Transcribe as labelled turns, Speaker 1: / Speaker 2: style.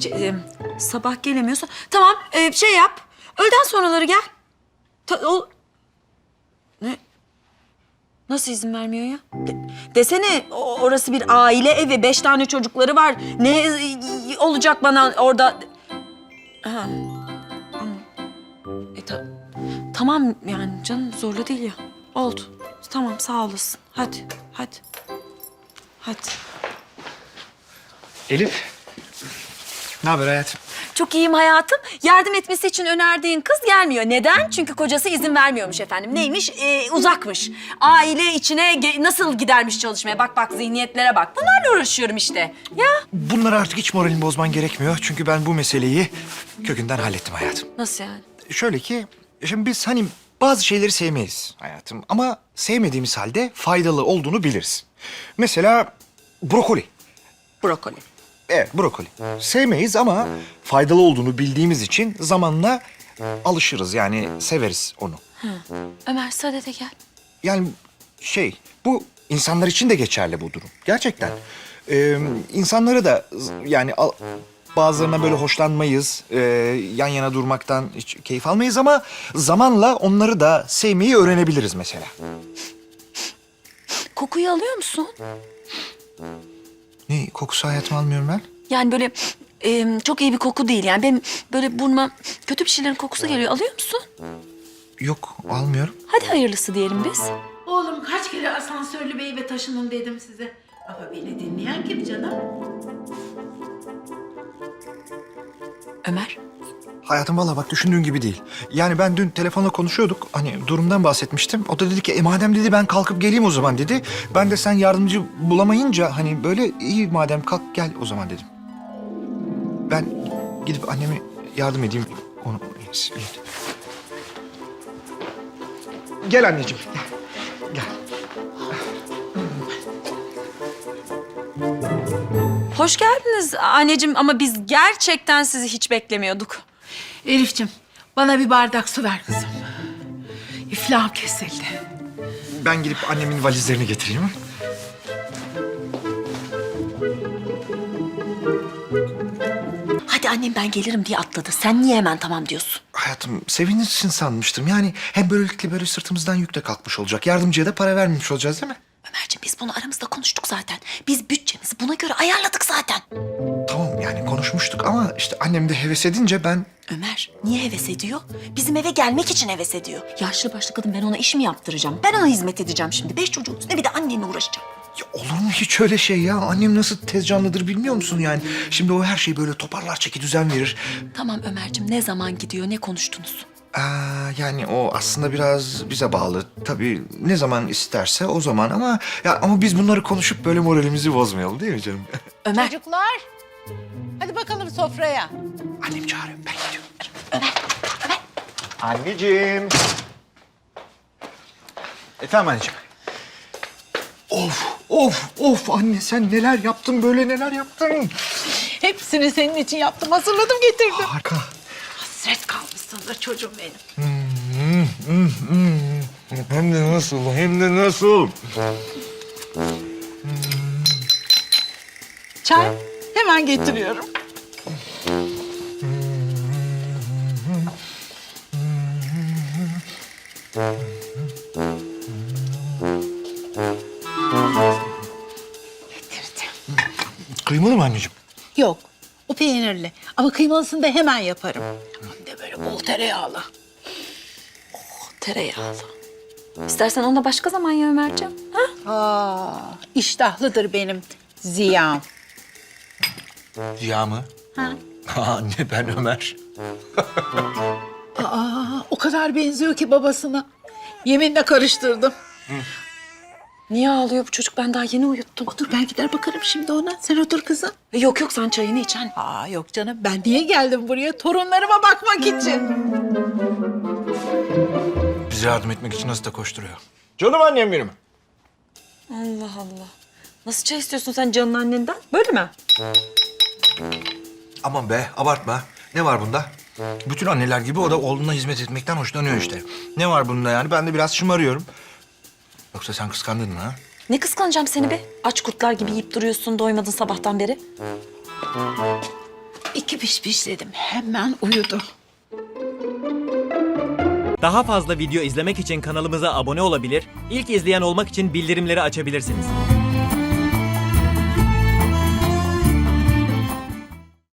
Speaker 1: sabah gelemiyorsa... Tamam, şey yap. Öğleden sonraları gel. Ne? Nasıl izin vermiyor ya? Desene orası bir aile evi, 5 tane çocukları var. Ne olacak bana orada? Ha. Tamam yani canım zorla değil ya. Oldu. Tamam sağ olasın. Hadi. Hadi.
Speaker 2: Elif. Ne haber hayatım?
Speaker 1: Çok iyiyim hayatım. Yardım etmesi için önerdiğin kız gelmiyor. Neden? Çünkü kocası izin vermiyormuş efendim. Neymiş? Uzakmış. Aile içine nasıl gidermiş çalışmaya? Bak zihniyetlere bak. Bunlarla uğraşıyorum işte. Ya.
Speaker 2: Bunları artık hiç moralini bozman gerekmiyor. Çünkü ben bu meseleyi kökünden hallettim hayatım.
Speaker 1: Nasıl yani?
Speaker 2: Şöyle ki, şimdi biz hani bazı şeyleri sevmeyiz hayatım. Ama sevmediğimiz halde faydalı olduğunu biliriz. Mesela brokoli.
Speaker 1: Brokoli.
Speaker 2: Evet, brokoli. Sevmeyiz ama faydalı olduğunu bildiğimiz için zamanla alışırız. Yani severiz onu.
Speaker 1: Ömer sadede gel.
Speaker 2: Yani bu insanlar için de geçerli bu durum. Gerçekten. İnsanları da yani bazılarına böyle hoşlanmayız. Yan yana durmaktan hiç keyif almayız ama zamanla onları da sevmeyi öğrenebiliriz mesela.
Speaker 1: Kokuyu alıyor musun?
Speaker 2: Ne kokusu hayatım almıyorum ben?
Speaker 1: Yani böyle çok iyi bir koku değil. Yani benim böyle burnuma kötü bir şeylerin kokusu geliyor. Alıyor musun?
Speaker 2: Yok almıyorum.
Speaker 1: Hadi hayırlısı diyelim biz.
Speaker 3: Oğlum kaç kere asansörlü bir eve taşının dedim size. Ama beni dinleyen kim canım?
Speaker 1: Ömer.
Speaker 2: Hayatım valla bak düşündüğün gibi değil. Yani ben dün telefonla konuşuyorduk. Hani durumdan bahsetmiştim. O da dedi ki madem dedi ben kalkıp geleyim o zaman dedi. Ben de sen yardımcı bulamayınca hani böyle iyi madem kalk gel o zaman dedim. Ben gidip anneme yardım edeyim. Onu... Gel anneciğim. Gel.
Speaker 1: Hoş geldiniz anneciğim ama biz gerçekten sizi hiç beklemiyorduk.
Speaker 3: Elif'ciğim bana bir bardak su ver kızım. İflahım kesildi.
Speaker 2: Ben gidip annemin valizlerini getireyim.
Speaker 1: Hadi annem ben gelirim diye atladı. Sen niye hemen tamam diyorsun?
Speaker 2: Hayatım sevinirsin sanmıştım. Yani hem böylelikle böyle sırtımızdan yük de kalkmış olacak. Yardımcıya da para vermemiş olacağız değil mi?
Speaker 1: Ömerciğim biz bunu aramızda konuştuk zaten. Biz bütçemizi buna göre ayarladık zaten.
Speaker 2: Tamam yani konuşmuştuk ama işte annem de heves edince ben...
Speaker 1: Ömer niye heves ediyor? Bizim eve gelmek için heves ediyor. Yaşlı başlı kadın ben ona iş mi yaptıracağım? Ben ona hizmet edeceğim şimdi. 5 çocuğun üstüne bir de annenle uğraşacağım.
Speaker 2: Ya olur mu hiç öyle şey ya? Annem nasıl tez canlıdır bilmiyor musun yani? Şimdi o her şeyi böyle toparlar, çeki düzen verir.
Speaker 1: Tamam Ömerciğim ne zaman gidiyor ne konuştunuz?
Speaker 2: Yani o aslında biraz bize bağlı. Tabii ne zaman isterse o zaman ama biz bunları konuşup böyle moralimizi bozmayalım değil mi canım?
Speaker 1: Ömer.
Speaker 3: Çocuklar hadi bakalım sofraya.
Speaker 2: Annem çağırıyor ben gidiyorum.
Speaker 1: Ömer.
Speaker 2: Anneciğim. Efendim anneciğim. Of anne sen neler yaptın böyle neler yaptın?
Speaker 3: Hepsini senin için yaptım hazırladım getirdim.
Speaker 2: Harika.
Speaker 3: Hasret kalmışsındır çocuğum benim.
Speaker 2: Hem de nasıl?
Speaker 3: Çay hemen getiriyorum. Getirdim.
Speaker 2: Kıymalı mı anneciğim?
Speaker 3: Yok o peynirli ama kıymalısını da hemen yaparım. Hem de böyle bol tereyağlı.
Speaker 1: Tereyağlı. İstersen onu da başka zaman ya Ömerciğim. Ha?
Speaker 3: İştahlıdır benim Ziya'm.
Speaker 2: Ziya mı?
Speaker 3: Ha?
Speaker 2: Anne ben Ömer.
Speaker 3: O kadar benziyor ki babasına. Yeminle karıştırdım.
Speaker 1: Niye ağlıyor bu çocuk? Ben daha yeni uyuttum.
Speaker 3: Otur ben gider bakarım şimdi ona. Sen otur kızım.
Speaker 1: Yok sen çayını iç anne.
Speaker 3: Yok canım ben niye geldim buraya? Torunlarıma bakmak için.
Speaker 2: Bize yardım etmek için nasıl da koşturuyor. Canım annem benim.
Speaker 1: Allah Allah. Nasıl çay istiyorsun sen canın annenden? Böyle mi?
Speaker 2: Aman be abartma. Ne var bunda? Bütün anneler gibi o da oğluna hizmet etmekten hoşlanıyor işte. Ne var bunda yani? Ben de biraz şımarıyorum. Yoksa sen kıskandın mı ha?
Speaker 1: Ne kıskanacağım seni be? Aç kurtlar gibi yiyip duruyorsun doymadın sabahtan beri.
Speaker 3: 2 piş dedim. Hemen uyudu.
Speaker 4: Daha fazla video izlemek için kanalımıza abone olabilir, ilk izleyen olmak için bildirimleri açabilirsiniz.